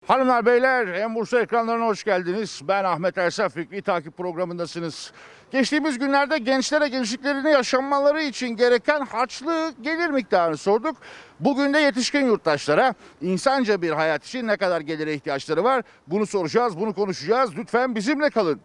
Hanımlar beyler, En Bursa ekranlarına hoş geldiniz. Ben Ahmet Ersaf, Fikri Takip programındasınız. Geçtiğimiz günlerde gençlere gençliklerini yaşanmaları için gereken harçlı gelir miktarını sorduk. Bugün de yetişkin yurttaşlara insanca bir hayat için ne kadar gelire ihtiyaçları var? Bunu soracağız, bunu konuşacağız. Lütfen bizimle kalın.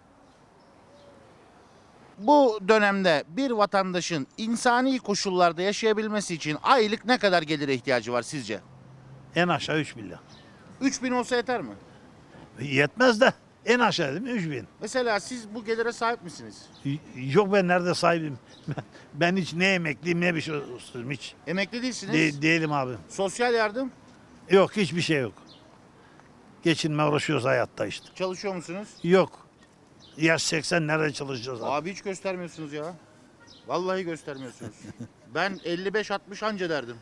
Bu dönemde bir vatandaşın insani koşullarda yaşayabilmesi için aylık ne kadar gelire ihtiyacı var sizce? En aşağı 3 milyon. 3000 olsa yeter mi? Yetmez de en aşağı değil mi 3 bin. Mesela siz bu gelire sahip misiniz? Yok ben nerede sahibim? Ben hiç ne emekliyim ne bir şey olsun hiç. Emekli değilsiniz. Değilim abi. Sosyal yardım Yok hiçbir şey yok. Geçinme uğraşıyoruz hayatta işte. çalışıyor musunuz? Yok. Yaş 80 nerede çalışacağız abi? Abi hiç göstermiyorsunuz ya. Vallahi göstermiyorsunuz. Ben 55-60 anca derdim.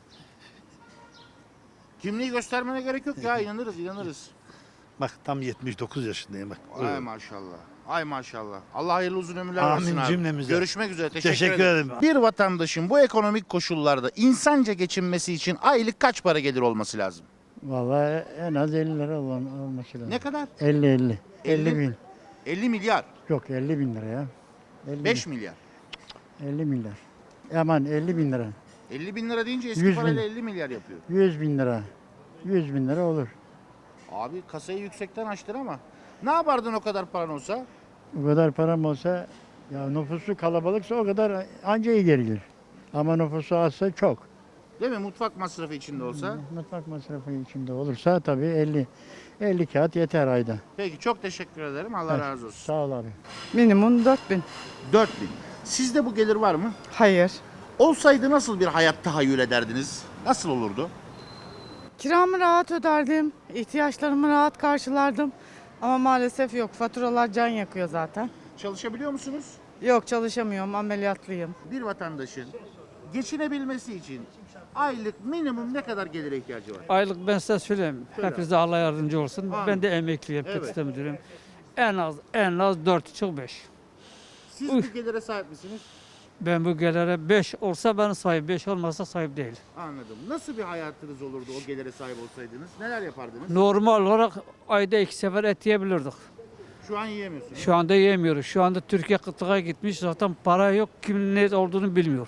Kimliği göstermene gerek yok ya, inanırız. Bak tam 79 yaşındayım bak. Ay maşallah. Ay maşallah. Allah hayırlı uzun ömürler Amin versin abi. cümlemize. Görüşmek üzere. Teşekkür ederim. Bir vatandaşın bu ekonomik koşullarda insanca geçinmesi için aylık kaç para gelir olması lazım? Vallahi en az 50 lira olması lazım. Ne kadar? 50 50 bin. 50 milyar. Yok 50 bin lira ya. 50 5 milyar. 50 milyar. Aman 50 bin lira. 50 bin lira deyince eski 100 bin. parayla 50 milyar yapıyor. 100 bin lira. 100 bin lira olur. Abi kasayı yüksekten açtın ama ne yapardın o kadar paran olsa? O kadar param olsa ya nüfusu kalabalıksa o kadar anca iyi gelir. Ama nüfusu azsa çok. Değil mi? Mutfak masrafı içinde olsa. Mutfak masrafı içinde olursa tabii 50 kağıt yeter ayda. Peki çok teşekkür ederim. Allah Evet, razı olsun. Sağ ol abi. Minimum 4000. 4000. Sizde bu gelir var mı? Hayır. Olsaydı nasıl bir hayat tahayyül ederdiniz? Nasıl olurdu? Kiramı rahat öderdim. İhtiyaçlarımı rahat karşılardım. Ama maalesef yok. Faturalar can yakıyor zaten. Çalışabiliyor musunuz? Yok çalışamıyorum. Ameliyatlıyım. Bir vatandaşın geçinebilmesi için aylık minimum ne kadar gelire ihtiyacı var? Aylık ben size söyleyeyim. Söyle. Hepinize Allah yardımcı olsun. Amin. Ben de emekliyim, Evet. tekstil müdürüyüm. En az 4,5-5. Siz Üf. bu gelire sahip misiniz? Ben bu gelire 5 olsa ben sahip, 5 olmasa sahip değil. Anladım. Nasıl bir hayatınız olurdu o gelire sahip olsaydınız? Neler yapardınız? Normal olarak ayda 2 sefer et yiyebilirdik. Şu an yiyemiyorsunuz. Şu anda yiyemiyoruz. Şu anda Türkiye kıtlığa gitmiş. Zaten para yok. Kimin ne olduğunu bilmiyor.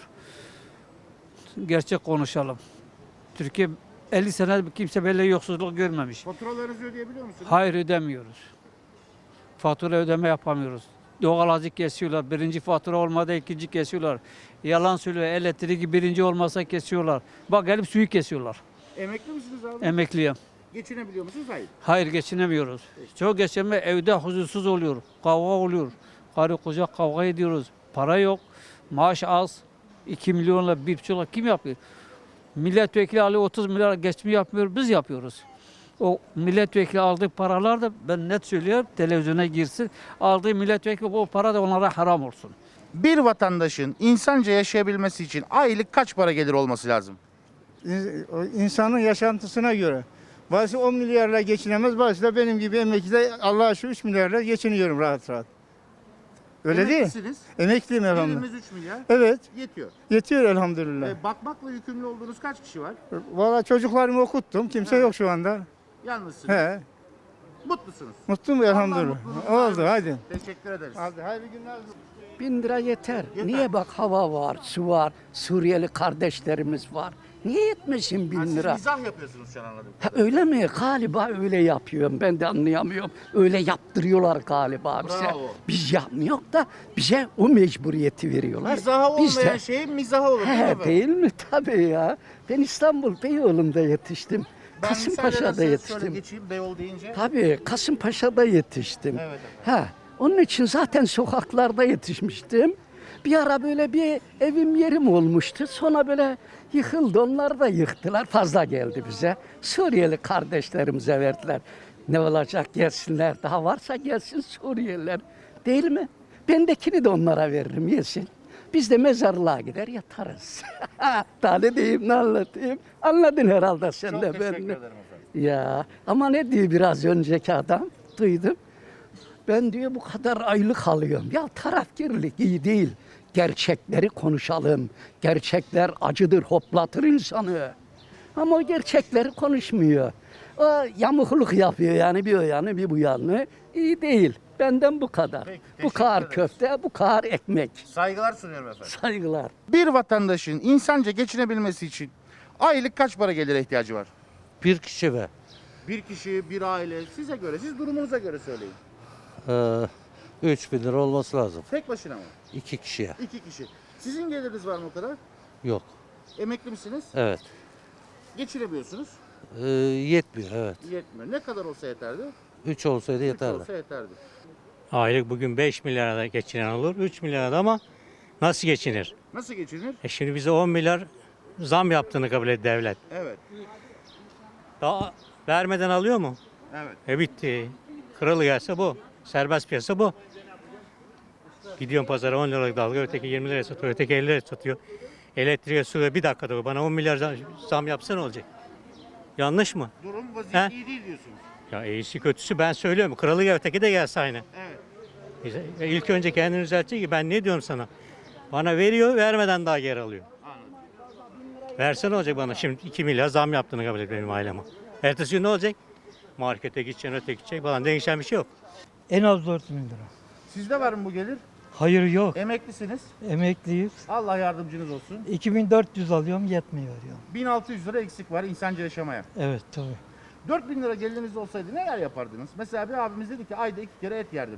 Gerçek konuşalım. Türkiye 50 sene kimse böyle yoksulluk görmemiş. Faturalarınızı ödeyebiliyor musunuz? Hayır ödemiyoruz. Fatura ödeme yapamıyoruz. Doğalgazı kesiyorlar. Birinci fatura olmadı ikinci kesiyorlar. Yalan söylüyor. Elektriği birinci olmasa kesiyorlar. Bak gelip suyu kesiyorlar. Emekli misiniz abi? Emekliyim. Geçinebiliyor musunuz? Hayır. Hayır geçinemiyoruz. Çok geçinme evde huzursuz oluyor. Kavga oluyor. Karı koca kavga ediyoruz. Para yok. Maaş az. 2 milyonla 1,5 kim yapıyor? Milletvekili alıyor 30 milyar geçimi yapmıyor. Biz yapıyoruz. O milletvekili aldığı paralar da ben net söylüyorum televizyona girsin. Aldığı milletvekili o para da onlara haram olsun. Bir vatandaşın insanca yaşayabilmesi için aylık kaç para gelir olması lazım? İnsanın yaşantısına göre. Bazısı 10 milyarla geçinemez, bazısı da benim gibi emekli de Allah'a şükür 3 milyarla geçiniyorum rahat rahat. Öyle değil. Emeklisiniz. Emekliyim elhamdülillah. Geliriniz 3 milyar. Evet, Yetiyor. yetiyor elhamdülillah. Bakmakla yükümlü olduğunuz kaç kişi var? Valla çocuklarımı okuttum, kimse yok şu anda. Yalnızsınız. He, Mutlusunuz. mutluyum elhamdülillah. mutluluğunu Oldu versin. hadi. Teşekkür ederiz. Hadi hayırlı günler. 1000 lira yeter. Yeter. Niye bak hava var, su var, Suriyeli kardeşlerimiz var. Niye yetmesin 1000 Siz lira? mizah yapıyorsunuz şu an anladım. Ha, öyle mi? Galiba öyle yapıyorum. Ben de anlayamıyorum. Öyle yaptırıyorlar galiba bize. Bravo. Biz yapmıyoruz da bize o mecburiyeti veriyorlar. Mizaha Biz olmayan de- şeyin mizahı olur değil mi He, efendim? değil mi? Tabii ya. Ben İstanbul Beyoğlu'nda yetiştim. Ben Kasımpaşa'da müsaadenizle şöyle yetiştim. geçeyim Beyoğlu deyince. Tabii Kasımpaşa'da yetiştim. Evet Ha, onun için zaten sokaklarda yetişmiştim. Bir ara böyle bir evim yerim olmuştu. Sonra böyle yıkıldı. Onlar da yıktılar. Fazla geldi bize. Suriyeli kardeşlerimize verdiler. Ne olacak gelsinler. Daha varsa gelsin Suriyeliler. Değil mi? Bendekini de onlara veririm yesin. Biz de mezarlığa gider yatarız. Daha ne diyeyim ne anlatayım. Anladın herhalde sen Çok de teşekkür beni. ederim efendim. Ya ama ne diyor biraz önceki adam duydum. Ben diyor bu kadar aylık alıyorum. Ya tarafkirlik iyi değil. Gerçekleri konuşalım. Gerçekler acıdır, hoplatır insanı. Ama o gerçekleri konuşmuyor. O yamukluk yapıyor yani bir o yanı bir bu yanı. İyi değil. Benden bu kadar. Peki, Bu teşekkür kadar ederiz. köfte, bu kadar ekmek. Saygılar sunuyorum efendim. Saygılar. Bir vatandaşın insanca geçinebilmesi için aylık kaç para gelire ihtiyacı var? Bir kişi ve Bir kişi, bir aile, size göre, siz durumunuza göre söyleyin. 3 bin lira olması lazım. Tek başına mı? 2 kişiye. 2 kişi. Sizin geliriniz var mı o kadar? Yok. Emekli misiniz? Evet. Geçinemiyorsunuz. Yetmiyor evet. Yetmiyor. Ne kadar olsa yeterdi? 3 olsaydı 3 yeterli. olsa yeterdi. Aylık bugün 5 milyara da geçinen olur, 3 milyara da ama nasıl geçinir? Nasıl geçinir? Şimdi bize 10 milyar zam yaptığını kabul etti devlet. Evet. Daha vermeden alıyor mu? Evet. Bitti. Kralı gelse bu. Serbest piyasa bu. Gidiyorum pazara 10 liralık dalga, öteki 20 liraya satıyor, öteki 50 liraya satıyor. Elektriğe, suya bir dakikada bana 10 milyar zam yapsa ne olacak? Yanlış mı? Durum vaziyet He? iyi değil diyorsunuz. Ya iyisi kötüsü ben söylüyorum. Kralı gel, öteki de gelse aynı. Evet. İlk önce kendini düzeltecek ki ben ne diyorum sana? Bana veriyor, vermeden daha geri alıyor. Verse ne olacak bana? Şimdi 2 milyar zam yaptığını kabul et benim aileme. Ertesi gün ne olacak? Markete gideceksin, öteki gidecek falan. Değişen bir şey yok. En az 4 bin lira. Sizde var mı bu gelir? Hayır yok. Emeklisiniz. Emekliyiz. Allah yardımcınız olsun. 2400 alıyorum yetmiyor ya. 1600 lira eksik var insanca yaşamaya. Evet tabii. 4000 lira geliriniz olsaydı neler yapardınız? Mesela bir abimiz dedi ki ayda 2 kere et yerdim.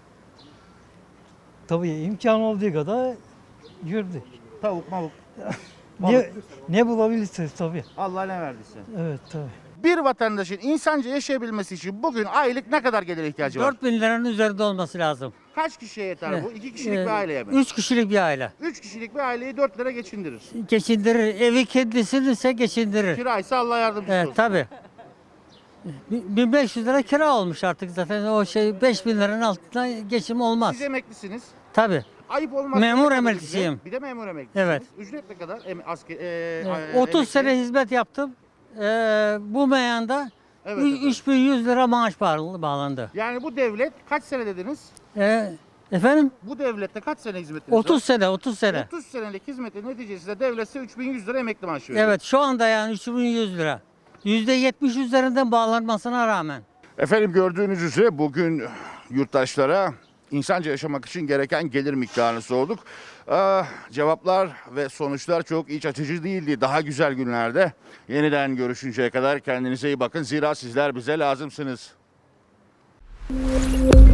Tabii imkan olduğu kadar yürüdük. Tavuk, mavuk. Ne bulabilirsiniz tabii. Allah ne verdiyse. Evet tabii. Bir vatandaşın insanca yaşayabilmesi için bugün aylık ne kadar gelire ihtiyacı var? 4 bin liranın üzerinde olması lazım. Kaç kişiye yeter bu? 2 kişilik bir aileye mi? 3 kişilik bir aile. 3 kişilik bir aileyi 4 lira geçindirir. Geçindirir. Evi kendisini ise geçindirir. Kiraysa Allah yardımcısı Evet olsun. tabii. 1500 lira kira olmuş artık zaten o şey 5000 liranın altında geçim olmaz. Siz emeklisiniz. Tabii. Ayıp olmaz. Memur Ne kadar emeklisiyim. ücret? Bir de memur emeklisiniz. Evet. Ücret ne kadar? 30 emekli? sene hizmet yaptım. Bu meyanda Evet efendim. 3100 lira maaş bağlandı. Yani bu devlet kaç sene dediniz? Efendim? Bu devlette kaç sene hizmetiniz var? 30 sene, 30 sene. 30 senelik hizmetin neticesinde devlet size 3100 lira emekli maaşı veriyor. Evet şu anda yani 3100 lira. %70 üzerinden bağlanmasına rağmen. Efendim gördüğünüz üzere bugün yurttaşlara insanca yaşamak için gereken gelir miktarını sorduk. Cevaplar ve sonuçlar çok iç açıcı değildi. Daha güzel günlerde yeniden görüşünceye kadar kendinize iyi bakın. Zira sizler bize lazımsınız.